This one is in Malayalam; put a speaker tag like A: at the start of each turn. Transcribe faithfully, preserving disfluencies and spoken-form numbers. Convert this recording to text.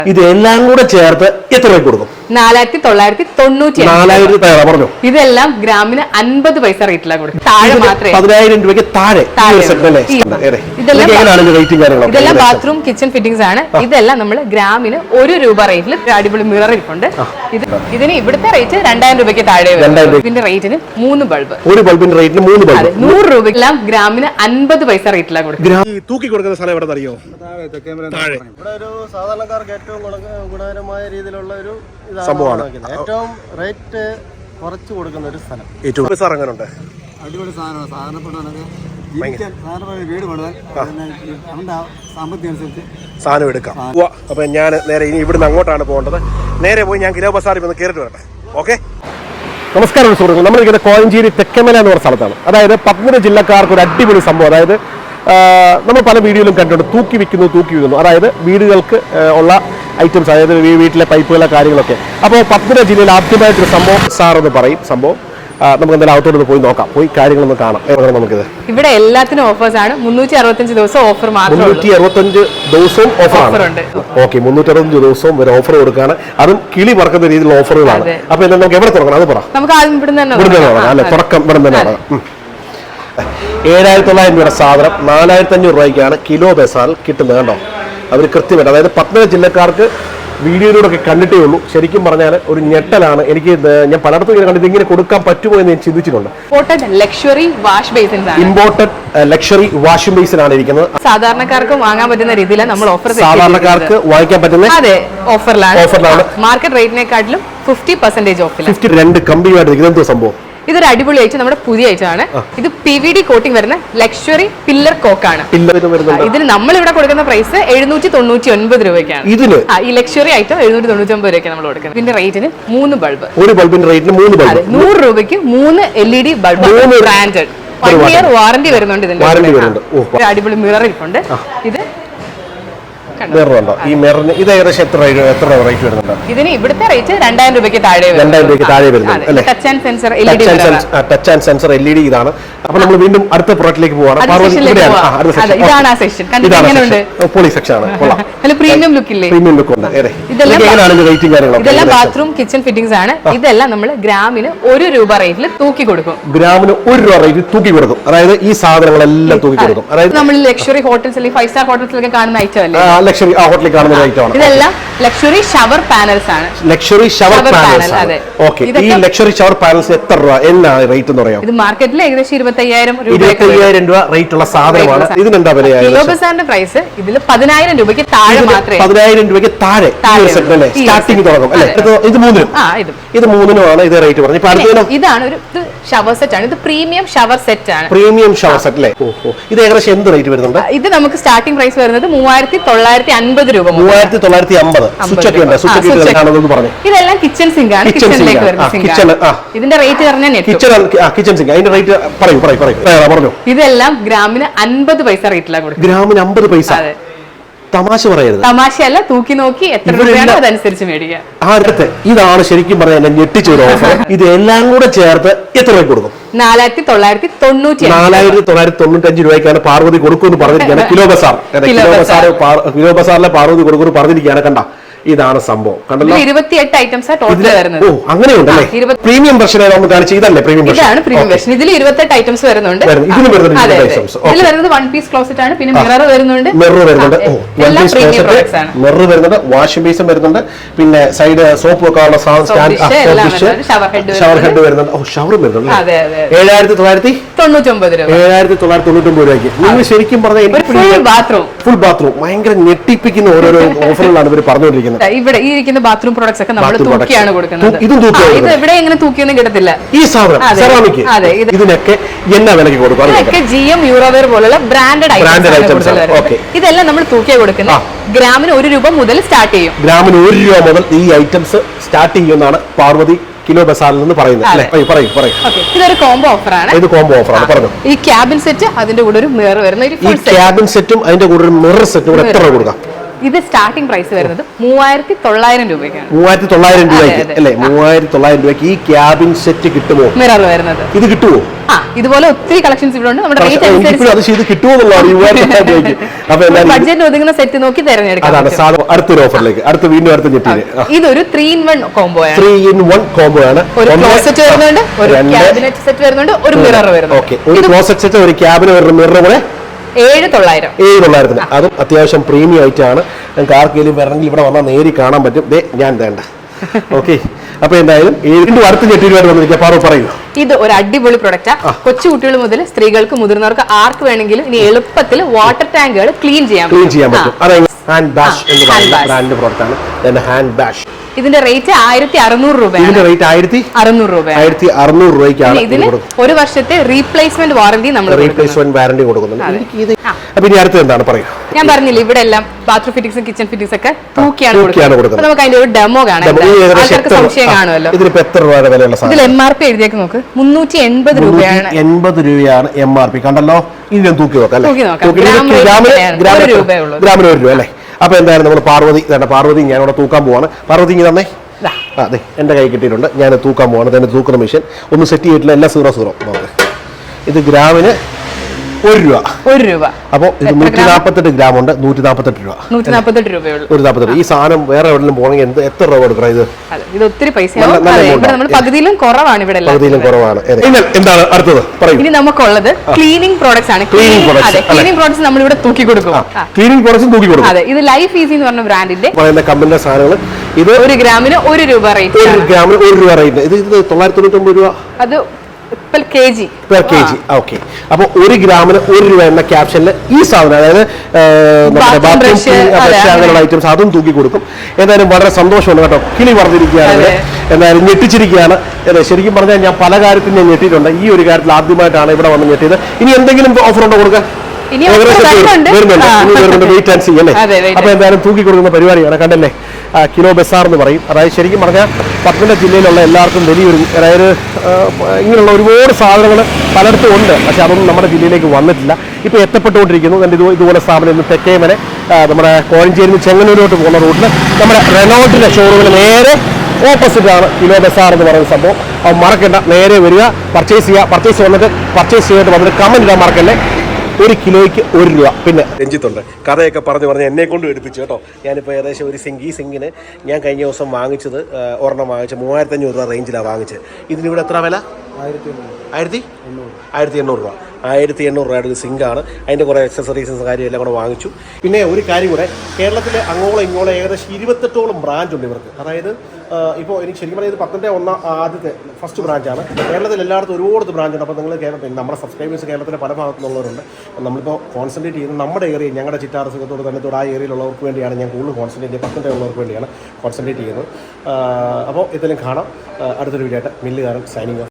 A: ഇത് എല്ലാം കൂടെ ചേർത്ത് എത്ര രൂപ കൊടുക്കും?
B: നാലായിരത്തി തൊള്ളായിരത്തി തൊണ്ണൂറ്റി
A: നാലായിരത്തി പറഞ്ഞു.
B: ഇതെല്ലാം ഗ്രാമിന് അൻപത് പൈസ റേറ്റിലാണ് കൊടുക്കും. താഴെ മാത്രമേ
A: പതിനായിരം രൂപയ്ക്ക് താഴെ.
B: ഇതെല്ലാം ബാത്റൂം കിച്ചൺ ഫിറ്റിംഗ്സ് ആണ്. ഇതെല്ലാം നമ്മൾ ഗ്രാമിന് ഒരു രൂപ റേറ്റിൽ അടിപൊളി മിറർ ഇരിപ്പുണ്ട്. ഇത് ഇതിന് ഇവിടുത്തെ റേറ്റ് രണ്ടായിരം രൂപയ്ക്ക് താഴെ. ഇതിന്റെ റേറ്റിന് മൂന്ന് ബൾബ്.
A: ഒരു ബൾബിന്റെ റേറ്റിന് മൂന്ന് ബൾബ്.
B: നൂറ് രൂപയ്ക്കെല്ലാം ഗ്രാമിന് അൻപത് പൈസ റേറ്റിലാണ് കൊടുക്കുന്നത്.
A: തൂക്കി കൊടുക്കുന്ന സ്ഥലം എവിടെ അറിയോ?
C: ഇവിടെ ഒരു സാധാരണക്കാർക്ക് ഏറ്റവും ഗുണകരമായ രീതിയിലുള്ള ഒരു സംഭവമാണ്. ഏറ്റവും റേറ്റ് കുറച്ച് കൊടുക്കുന്ന ഒരു സ്ഥലം.
A: ഏറ്റവും സാർ അങ്ങനെ ഉണ്ട്.
C: അടിപൊളി സാധനമാണ്. സാധാരണപ്പെട്ടവനൊക്കെ വീട് പണിതാൽ അവന്റെ സാമ്പത്തികം അനുസരിച്ച്
A: സാധനം എടുക്കാം. അപ്പൊ ഞാൻ നേരെ ഇനി ഇവിടുന്ന് അങ്ങോട്ടാണ് പോകേണ്ടത്. നേരെ പോയി ഞാൻ കിലോ ബസാറിൽ ഒന്ന് കയറിട്ട് വരട്ടെ. ഓക്കെ. നമസ്കാരം സുഹൃത്തുക്കൾ, നമ്മളിങ്ങനെ കോഴഞ്ചേരി തെക്കമല എന്ന് പറഞ്ഞ സ്ഥലത്താണ്. അതായത് പത്തനംതിട്ട ജില്ലക്കാർക്ക് ഒരു അടിപൊളി സംഭവം. അതായത് നമ്മൾ പല വീഡിയോയിലും കണ്ടിട്ടുണ്ട്, തൂക്കി വിൽക്കുന്നു തൂക്കി വിൽക്കുന്നു. അതായത് വീടുകൾക്ക് ഉള്ള ഐറ്റംസ്, അതായത് വീട്ടിലെ പൈപ്പുകളെ കാര്യങ്ങളൊക്കെ. അപ്പോൾ പത്തനംതിട്ട ജില്ലയിൽ ആദ്യമായിട്ടൊരു സംഭവം സാർ എന്ന് പറയും സംഭവം. നമുക്ക് എന്തായാലും അകത്തോട്ട് പോയി നോക്കാം, പോയി കാര്യങ്ങളൊന്ന് കാണാം. നമുക്കിത്
B: ഇവിടെ എല്ലാത്തിനും ഓഫേഴ്സ് ആണ്. മുന്നൂറ്റി അറുപത്തഞ്ച് ദിവസം ഓഫർ മാത്രം.
A: മുന്നൂറ്റി അറുപത്തഞ്ച് ദിവസവും ഓഫർ ഉണ്ട്. ഓക്കെ, മുന്നൂറ്റി അറുപത്തഞ്ച് ദിവസവും ഒരു ഓഫർ കൊടുക്കുകയാണ്. അതും കിളി പറക്കുന്ന രീതിയിലുള്ള ഓഫറുകളാണ്. അപ്പൊ എന്താ നമുക്ക് എവിടെ തുടങ്ങണം അത് പറ.
B: നമുക്ക് ആദ്യം ഇവിടുന്ന് തന്നെ
A: അല്ലെ, തുടക്കം ഇവിടെ തന്നെയാണ്. ഏഴായിരത്തി തൊള്ളായിരം രൂപയുടെ സാധനം നാലായിരത്തി അഞ്ഞൂറ് രൂപയ്ക്കാണ് കിലോ ബസാറിൽ കിട്ടുന്നത്. കണ്ടോ, അവർ കൃത്യമായിട്ട്. അതായത് പത്തനംതിട്ട ജില്ലക്കാർക്ക് വീഡിയോയിലൂടെ ഒക്കെ കണ്ടിട്ടേ ഉള്ളൂ. ശരിക്കും പറഞ്ഞാൽ ഒരു ഞെട്ടലാണ്. എനിക്ക് ഞാൻ പലയിടത്തും ഇങ്ങനെ കണ്ടിട്ട് ഇങ്ങനെ കൊടുക്കാൻ പറ്റുമോ എന്ന് ഞാൻ ചിന്തിച്ചിട്ടുണ്ട്.
B: Luxury wash basin,
A: imported luxury washing basin ആണ് ഇരിക്കുന്നത്.
B: സാധാരണക്കാർക്ക് വാങ്ങാൻ പറ്റുന്ന രീതിയിലാണ് നമ്മൾ ഓഫർ.
A: സാധാരണക്കാർക്ക് വാങ്ങിക്കാൻ പറ്റുന്ന
B: അതെ ഓഫറിലാണ്.
A: ഓഫറിലാണ്
B: മാർക്കറ്റ് റേറ്റിനെക്കാട്ടിലും ഫിഫ്റ്റി പെർസെന്റേജ് ഓഫിൽ.
A: ഫിഫ്റ്റി രണ്ട് കമ്പിയുമായിട്ട് എന്തോ സംഭവം.
B: ഇതൊരു അടിപൊളി ഐറ്റം, നമ്മുടെ പുതിയ ഐറ്റം ആണ്. ഇത് പി വി ഡി കോട്ടിംഗ് വരുന്ന ലക്ഷറി പില്ലർ കോക്കാണ്. ഇതിന് നമ്മൾ ഇവിടെ കൊടുക്കുന്ന പ്രൈസ് എഴുന്നൂറ്റി തൊണ്ണൂറ്റി ഒൻപത് രൂപയ്ക്കാണ്. ഇതിന് ഈ ലക്ഷറി ഐറ്റം എഴുന്നൂറ്റി തൊണ്ണൂറ്റി ഒമ്പത് രൂപയ്ക്കാണ് നമ്മൾ കൊടുക്കുന്നത്. ഇതിന്റെ റേറ്റിന് മൂന്ന് ബൾബ്.
A: ഒരു ബൾബിന്റെ റേറ്റിന് മൂന്ന് ബൾബ്.
B: നൂറ് രൂപയ്ക്ക് മൂന്ന് L E D bulb. Branded one year warranty വരുന്നുണ്ട്. ഇതിന്റെ അടിപൊളി മിറർ ഇരിപ്പുണ്ട്. ഇത്
A: മിററുണ്ടോ? ഈ മിററിന് ഇത് ഏകദേശം എത്ര എത്ര റേറ്റ് വരുന്നുണ്ട്?
B: ഇതിന് ഇവിടുത്തെ റേറ്റ് രണ്ടായിരം രൂപയ്ക്ക് താഴെ.
A: രണ്ടായിരം രൂപയ്ക്ക് താഴെ വരുന്നുണ്ട്.
B: Touch and sensor L E D.
A: Touch and sensor L E D ഇതാണ്. അപ്പൊ നമ്മൾ വീണ്ടും അടുത്ത പ്രൊഡക്റ്റിലേക്ക് പോവാണ്.
B: ഇതാണ് ആ സെക്ഷൻ.
A: പോളി സെക്ഷൻ ആണ്.
B: നല്ല പ്രീമിയം ലുക്ക് ഇല്ലേ?
A: പ്രീമിയം ലുക്ക് ഉണ്ട്.
B: ഇതെല്ലാം ബാത്റൂം കിച്ചൺ ഫിറ്റിംഗ്സ് ആണ്. ഇതെല്ലാം നമ്മൾ ഗ്രാമിന് ഒരു രൂപ റേറ്റിൽ തൂക്കി കൊടുക്കും.
A: ഗ്രാമിന് ഒരു രൂപ റേറ്റിൽ തൂക്കി കൊടുക്കും. അതായത് ഈ സാധനങ്ങളെല്ലാം തൂക്കി കൊടുക്കും. അതായത്
B: നമ്മൾ ലക്ഷറി ഹോട്ടൽസ് അല്ലെങ്കിൽ ഫൈവ് സ്റ്റാർ ഹോട്ടൽസിലൊക്കെ കാണുന്ന ഐറ്റം അല്ലേ?
A: ലക്ഷറി ആ ഹോട്ടലിൽ കാണുന്ന ഐറ്റമാണ്.
B: ഇതെല്ലാം ലക്ഷറി ഷവർ പാനൽസ് ആണ്.
A: Luxury shower panels. ഓക്കെ, ഈ ലക്ഷറി ഷവർ പാനൽസ് എത്ര രൂപ എന്നാണ് റേറ്റ് എന്ന് പറയാം?
B: ഇത് മാർക്കറ്റിൽ ഏകദേശം ഇരുപത്തയ്യായിരം രൂപ
A: ഇരുപത്തയ്യായിരം രൂപ റേറ്റ് ഉള്ള സാധനമാണ്. ഇതിനെന്താ വില?
B: കിലോ ബസാറിന്റെ പ്രൈസ് ഇതിൽ പതിനായിരം രൂപയ്ക്ക് താഴെ മാത്രമേ.
A: പതിനായിരം രൂപയ്ക്ക് താഴെ സ്റ്റാർട്ടിംഗ് തുടങ്ങും അല്ലെ? ഇത് മൂന്നിനും ഇത് മൂന്നിനുമാണ് ഇത് റേറ്റ് പറഞ്ഞത്.
B: ഇതാണ് ഒരു ഷവർ സെറ്റ് ആണ്. ഇത് പ്രീമിയം ഷവർ സെറ്റ് ആണ്.
A: പ്രീമിയം ഷവർ സെറ്റ് അല്ലേ? ഇത് ഏകദേശം എന്ത് റേറ്റ് വരുന്നുണ്ട്?
B: ഇത് നമുക്ക് സ്റ്റാർട്ടിംഗ് പ്രൈസ് വരുന്നത് മൂവായിരത്തി തൊള്ളായിരത്തി അൻപത് രൂപ.
A: മൂവായിരത്തി തൊള്ളായിരത്തി അമ്പത്.
B: ഇതെല്ലാം കിച്ചൺ സിങ്ക് ആണ്. കിച്ചണിലേക്ക് വരുന്ന സിങ്ക്. ഇതിന്റെ റേറ്റ് പറഞ്ഞാൽ
A: കിച്ചൺ സിങ്ക്. അതിന്റെ റേറ്റ് പറയൂ പറയൂ പറയൂ.
B: ഇതെല്ലാം ഗ്രാമിന് അൻപത് പൈസ റേറ്റിലാണ് കൊടുക്കുന്നത്.
A: ഗ്രാമിന് അമ്പത് പൈസ. തമാശ പറയരുത്.
B: തമാശയല്ല, തൂക്കി നോക്കി എത്ര രൂപയാണോ അതനുസരിച്ച് മേടിക്കാം.
A: അടുത്ത് ഇതാണ് ശരിക്കും പറഞ്ഞാൽ എന്നെ ഞെട്ടിച്ച ഒരു ഓഫർ. ഇത് എല്ലാം കൂടെ ചേർത്ത് എത്ര രൂപ കൊടുക്കും?
B: നാലായിരത്തി തൊള്ളായിരത്തി തൊണ്ണൂറ്റി
A: നാലായിരത്തി തൊള്ളായിരത്തി തൊണ്ണൂറ്റി അഞ്ച് രൂപയ്ക്കാണ് പാർവതി കൊടുക്കുമെന്ന് പറഞ്ഞിരിക്കുകയാണ്. കിലോ ബസാർ കിലോ ബസാർ കിലോ ബസാറിലെ പാർവതി കൊടുക്കുമെന്ന് പറഞ്ഞിരിക്കുകയാണ്. കണ്ട, ഇതാണ് സംഭവം. കണ്ടല്ലോ,
B: ഇരുപത്തിയെട്ട് ഐറ്റംസ് ടോട്ടൽ വരുന്നത്.
A: ഓ, അങ്ങനെയുണ്ടല്ലേ? പ്രീമിയം വെർഷൻ നമ്മൾ കാണിച്ചു. ഇതല്ലേ പ്രീമിയം വെർഷൻ?
B: ഇതാണ് പ്രീമിയം വെർഷൻ. ഇതിൽ ഇരുപത്തെട്ട് ഐറ്റംസ് വരുന്നുണ്ട്.
A: ഇതിൽ
B: വരുന്നത് വൺ പീസ് ക്ലോസറ്റ് ആണ്. പിന്നെ മിറർ വരുന്നുണ്ട്.
A: മിറർ വരുന്നുണ്ട്. മിറർ വരുന്നുണ്ട്. വാഷിംഗ് ബേസും വരുന്നുണ്ട്. പിന്നെ സൈഡ് സോപ്പ് വെക്കാനുള്ള ഷവർ ഹെഡ് വരുന്നുണ്ട്. ഓ, ഷവർ വരുന്നുണ്ട്. ഏഴായിരത്തി തൊള്ളായിരത്തി തൊണ്ണൂറ്റി ഒമ്പത് രൂപ. ഏഴായിരത്തി തൊള്ളായിരത്തി തൊണ്ണൂറ്റി ഒമ്പത് രൂപയ്ക്ക് നിങ്ങൾ ശരിക്കും പറഞ്ഞാൽ
B: ബാത്റൂം
A: ഫുൾ ബാത്റൂം ഭയങ്കര ഞെട്ടിപ്പിക്കുന്ന ഓരോരോ ഓഫറുകളാണ് ഇവർ പറഞ്ഞുകൊണ്ടിരിക്കുന്നത്.
B: ഇവിടെ ഈ ഇരിക്കുന്ന ബാത്റൂം പ്രോഡക്ട്സ് ഒക്കെ നമ്മൾ തൂക്കിയാണ് കൊടുക്കുന്നത്. ഇത് ഇവിടെ എങ്ങനെ തൂക്കിയൊന്നും കിട്ടത്തില്ല.
A: ഈ സാധനം സെറാമിക് ഇതിനൊക്കെ എന്നാ വിലക്ക് കൊടുക്കും?
B: ഇതൊക്കെ ജി എം യൂറോവെയർ പോലുള്ള ബ്രാൻഡഡ് ഐറ്റംസ്. ഇതെല്ലാം നമ്മൾ തൂക്കിയാ കൊടുക്കുന്നത്. ഗ്രാമിന് ഒരു രൂപ മുതൽ സ്റ്റാർട്ട് ചെയ്യും.
A: ഗ്രാമിന് ഒരു രൂപ മുതൽ ഈ ഐറ്റംസ് സ്റ്റാർട്ട് ചെയ്യുമെന്നാണ് പാർവതി കിലോ ബസാറിൽ നിന്ന് പറയുന്നത്.
B: ഇതൊരു കോംബോ ഓഫർ ആണ്.
A: ഇത് കോംബോ ഓഫർ ആണ്. പറഞ്ഞു.
B: ഈ ക്യാബിൻ സെറ്റ് അതിന്റെ കൂടെ ഒരു മിറർ വരുന്ന
A: ഈ ക്യാബിൻ സെറ്റും അതിന്റെ കൂടെ ഒരു മിറർ സെറ്റും കൂടെ എത്ര രൂപ കൊടുക്കാം?
B: ഇത് സ്റ്റാർട്ടിംഗ് പ്രൈസ് വരുന്നത് മൂവായിരത്തി തൊള്ളായിരം രൂപയ്ക്കാണ്.
A: മൂവായിരത്തി തൊള്ളായിരം രൂപയ്ക്ക് അല്ലേ? മൂവായിരത്തി തൊള്ളായിരം രൂപയ്ക്ക് ഈ ക്യാബിൻ സെറ്റ് കിട്ടുമോ?
B: മിറർ വരുന്നത് ഇത്
A: കിട്ടുമോ?
B: ആ ഇതുപോലെ ഒത്തിരി കളക്ഷൻസ് ഇവിടെ ഉണ്ട്. നമ്മുടെ റേറ്റ് ബഡ്ജറ്റ് ഒതുങ്ങുന്ന സെറ്റ് നോക്കി തിരഞ്ഞെടുക്കാം.
A: അടുത്തൊരു ഓഫറിലേക്ക് അടുത്ത വീണ്ടും അടുത്ത ഞെട്ടിന്
B: ഇതൊരു ത്രീ ഇൻ വൺ കോംബോ ആണ്.
A: ത്രീ ഇൻ വൺ കോംബോ ആണ്.
B: ഒരു ക്ലോസറ്റ് വരുന്നുണ്ട്, ഒരു ക്യാബിനറ്റ് സെറ്റ് വരുന്നുണ്ട്, ഒരു മിറർ വരുന്നുണ്ട്.
A: ഒരു ക്ലോസറ്റ് സെറ്റ്, ഒരു ക്യാബിന് ഒരു മിറർ കൂടെ
B: ഏഴ് തൊള്ളായിരം
A: ഏഴ് തൊള്ളായിരത്തിന്. അതും അത്യാവശ്യം പ്രീമിയം ആയിട്ടാണ്. ഞങ്ങൾക്ക് ആർക്കെങ്കിലും വരണമെങ്കിൽ ഇവിടെ വന്നാൽ നേരി കാണാൻ പറ്റും. ദേ ഞാൻ വേണ്ട. ഓക്കെ, അപ്പൊ എന്തായാലും വീണ്ടും അടുത്ത ഞെട്ടിരുമായിട്ട് വന്നിരിക്കുക. പാറു പറയൂ.
B: ഇത് ഒരു അടിപൊളി പ്രൊഡക്റ്റാ. കൊച്ചു കുട്ടികൾ മുതൽ സ്ത്രീകൾക്ക് മുതിർന്നവർക്ക് ആർക്ക് വേണമെങ്കിലും ഇനി എളുപ്പത്തിൽ വാട്ടർ ടാങ്കുകൾ ക്ലീൻ ചെയ്യാൻ
A: ക്ലീൻ ചെയ്യാൻ പറ്റും. അതായത് ഹാൻഡ് ബാഷ് എന്ന് പറയുന്ന ബ്രാൻഡ് പ്രോഡക്റ്റ് ആണ്. ഹാൻഡ് ബാഷ്
B: ഇതിന്റെ റേറ്റ് ആയിരത്തി അറുന്നൂറ് രൂപയാണ്.
A: ഇതിന്റെ റേറ്റ് ആയിരത്തി
B: അറുന്നൂറ് രൂപ
A: ആയിരത്തി അറുന്നൂറ് രൂപയ്ക്കാണ്.
B: ഇതിന് ഒരു വർഷത്തെ റീപ്ലേസ്മെന്റ് വാറന്റി നമ്മൾ
A: റീപ്ലേസ്മെന്റ് വാറന്റി കൊടുക്കുന്നുണ്ട്. അപ്പൊ ഇനി അടുത്ത് എന്താണ് പറയൂ?
B: ഞാൻ പറഞ്ഞില്ല ഇവിടെ എല്ലാം ബാത്റൂം ഫിറ്റിംഗ്സും കിച്ചൺ ഫിറ്റിംഗ്സ് ഒക്കെ തൂക്കിയാണ് കൊടുക്കുന്നത്. നമുക്ക് അതിന്റെ ഒരു ഡെമോ കാണാം. ആൾക്കാർക്ക് സംശയം കാണുമല്ലോ.
A: ഇതിലിപ്പോ എത്ര രൂപയുടെ വിലയുള്ള സാധനം?
B: ഇതിൽ എം ആർ പി എഴുതിയേക്ക് നോക്ക്. മുന്നൂറ്റി എൺപത് രൂപയാണ്.
A: എൺപത് രൂപയാണ് എം ആർ പി. കണ്ടല്ലോ, ഇനി ഞാൻ തൂക്കി നോക്കാം. ഗ്രാമിന് ഒരു രൂപ അല്ലേ? അപ്പൊ എന്തായാലും നമ്മൾ പാർവതി പാർവതി ഞാനിവിടെ തൂക്കാൻ പോവാണ്. പാർവതി ഇങ്ങനെ തന്നെ അതെ എന്റെ കൈ കിട്ടിയിട്ടുണ്ട്. ഞാൻ തൂക്കാൻ പോവാണ്. തന്നെ തൂക്കുന്ന മെഷീൻ ഒന്ന് സെറ്റ് ചെയ്തിട്ടില്ല. എല്ലാം സീറോ സീറോ. ഇത് ഗ്രാമിന് ഒരു രൂപ ഒരു രൂപ അപ്പൊ ഇത് നൂറ്റി നാപ്പത്തെട്ട് ഗ്രാം ഉണ്ട്. നൂറ്റി നാപ്പത്തെട്ട് രൂപ നൂറ്റി നാപ്പത്തെട്ട് രൂപയുള്ളൂ. ഒരു നാപ്പത്തെട്ട്. ഈ സാധനം വേറെ എവിടെയും പോകണമെങ്കിൽ എന്ത് എത്ര രൂപ കൊടുക്കണം? ഇത്
B: ഇത് ഒത്തിരി പൈസ പകുതിയിലും കുറവാണ്. ഇവിടെ
A: പകുതിയിലും കുറവാണ്. എന്താണ് അടുത്തത് പറയൂ?
B: ഇനി നമുക്കുള്ളത് ക്ലീനിങ് പ്രോഡക്ട്സ് ആണ്. ക്ലീനിങ് പ്രോഡക്ട്സ് നമ്മൾ ഇവിടെ തൂക്കി കൊടുക്കും.
A: ക്ലീനിങ് പ്രോഡക്ട്സും തൂക്കി കൊടുക്കും.
B: അതെ, ഇത് ലൈഫ് ഈസി എന്ന് പറഞ്ഞ ബ്രാൻഡിന്റെ
A: കമ്പനിയുടെ സാധനങ്ങൾ. ഇത്
B: ഒരു ഗ്രാമിന് ഒരു രൂപ റേറ്റ്.
A: ഒരു ഗ്രാമിന് ഒരു രൂപ റേറ്റ്. ഇത് ഇത് തൊള്ളായിരത്തി തൊണ്ണൂറ്റി ഒമ്പത് രൂപ. അത് അപ്പൊ ഒരു ഗ്രാമിന് ഒരു രൂപ എന്ന ക്യാപ്ഷനിൽ ഈ സാധനം, അതായത് അങ്ങനെയുള്ള ഐറ്റംസ് അതും തൂക്കി കൊടുക്കും. എന്തായാലും വളരെ സന്തോഷമുണ്ട് കേട്ടോ. കിളി പറഞ്ഞിരിക്കുകയാണ്, എന്തായാലും ഞെട്ടിച്ചിരിക്കുകയാണ്. ശരിക്കും പറഞ്ഞാൽ ഞാൻ പല കാര്യത്തിലും ഞാൻ ഞെട്ടിയിട്ടുണ്ട്. ഈ ഒരു കാര്യത്തിൽ ആദ്യമായിട്ടാണ് ഇവിടെ വന്ന് ഞെട്ടിയത്. ഇനി എന്തെങ്കിലും ഓഫർ ഉണ്ടോ കൊടുക്കാൻ? വെയിറ്റ് ആൻഡ് സീ അല്ലേ? അപ്പൊ എന്തായാലും തൂക്കി കൊടുക്കുന്ന പരിപാടിയാണ്. കണ്ടല്ലേ, കിലോ ബസാർ എന്ന് പറയും. അതായത് ശരിക്കും പറഞ്ഞാൽ പത്തനംതിട്ട ജില്ലയിലുള്ള എല്ലാവർക്കും വലിയൊരു, അതായത് ഇങ്ങനെയുള്ള ഒരുപാട് സാധനങ്ങൾ പലയിടത്തും ഉണ്ട്. പക്ഷെ അതൊന്നും നമ്മുടെ ജില്ലയിലേക്ക് വന്നിട്ടില്ല. ഇപ്പോൾ എത്തപ്പെട്ടുകൊണ്ടിരിക്കുന്നു. എൻ്റെ ഇത് ഇതുപോലെ സ്ഥാപനം ഇന്ന് തെക്കേമനെ നമ്മുടെ കോഴഞ്ചേരി ചെങ്ങന്നൂരോട്ട് പോകുന്ന റൂട്ടിൽ നമ്മുടെ റെനോൾട്ടിൻ്റെ ഷോറൂമിന് നേരെ ഓപ്പോസിറ്റാണ് കിലോ ബസാർ എന്ന് പറയുന്ന സംഭവം. അപ്പോൾ മറക്കണ്ട, നേരെ വരിക, പർച്ചേസ് ചെയ്യുക. പർച്ചേസ് വന്നിട്ട് പർച്ചേസ് ചെയ്തിട്ട് വന്നിട്ട് കമൻറ്റ് ഇടാൻ മറക്കല്ലേ. ഒരു കിലോയ്ക്ക് ഒരു രൂപ. പിന്നെ രഞ്ജിത്തുണ്ട്, കഥയൊക്കെ പറഞ്ഞു പറഞ്ഞ് എന്നെ കൊണ്ട് എടുപ്പിച്ചു കേട്ടോ. ഞാനിപ്പോൾ ഏകദേശം ഒരു സിങ്ക്, ഈ സിങ്കിന് ഞാൻ കഴിഞ്ഞ ദിവസം വാങ്ങിച്ചത് ഒരെണ്ണം വാങ്ങിച്ച് മൂവായിരത്തി അഞ്ഞൂറ് രൂപ റേഞ്ചിലാണ് വാങ്ങിച്ചത്. ഇതിനിവിടെ എത്ര വില? ആയിരത്തി ആയിരത്തി എണ്ണൂറ് ആയിരത്തി എണ്ണൂറ് രൂപ ആയിരത്തി എണ്ണൂറ് രൂപയുടെ ഒരു സിങ്കാണ്. അതിൻ്റെ കുറേ എക്സസറീസും കാര്യം എല്ലാം കൂടെ വാങ്ങിച്ചു. പിന്നെ ഒരു കാര്യം കൂടെ, കേരളത്തിലെ അങ്ങോളം ഇങ്ങോളം ഏകദേശം ഇരുപത്തെട്ടോളം ബ്രാഞ്ച് ഉണ്ട് ഇവർക്ക്. അതായത് ഇപ്പോൾ എനിക്ക് ശരിക്കും പറഞ്ഞാൽ ഇത് പത്തനംതിട്ട ഒന്നാം ആദ്യത്തെ ഫസ്റ്റ് ബ്രാഞ്ചാണ്. കേരളത്തിൽ എല്ലായിടത്തും ഒരുപാട് ബ്രാഞ്ച് ഉണ്ട്. അപ്പോൾ നിങ്ങൾ കേരളത്തിൽ നമ്മുടെ സബ്സ്ക്രൈബേഴ്സ് കേരളത്തിലെ പല ഭാഗത്തു നിന്നുള്ളവരുണ്ട്. നമ്മളിപ്പോൾ കോൺസെൻട്രേറ്റ് ചെയ്യുന്നത് നമ്മുടെ ഏരിയ, ഞങ്ങളുടെ ചിറ്റാറ് സുഖത്തോട് തന്നെ ആ ഏരിയയിലുള്ളവർക്ക് വേണ്ടിയാണ് ഞാൻ കൂടുതൽ കോൺസെൻട്രേറ്റ് ചെയ്യുന്നത്. പത്തനംതിട്ട ഉള്ളവർക്ക് വേണ്ടിയാണ് കോൺസെൻട്രേറ്റ് ചെയ്യുന്നത്. അപ്പോൾ ഇതെല്ലാം കാണാം. അടുത്തൊരു വീഡിയോ ആയിട്ട് മില്ലുകാരൻ സൈനിങ് ഓഫ്.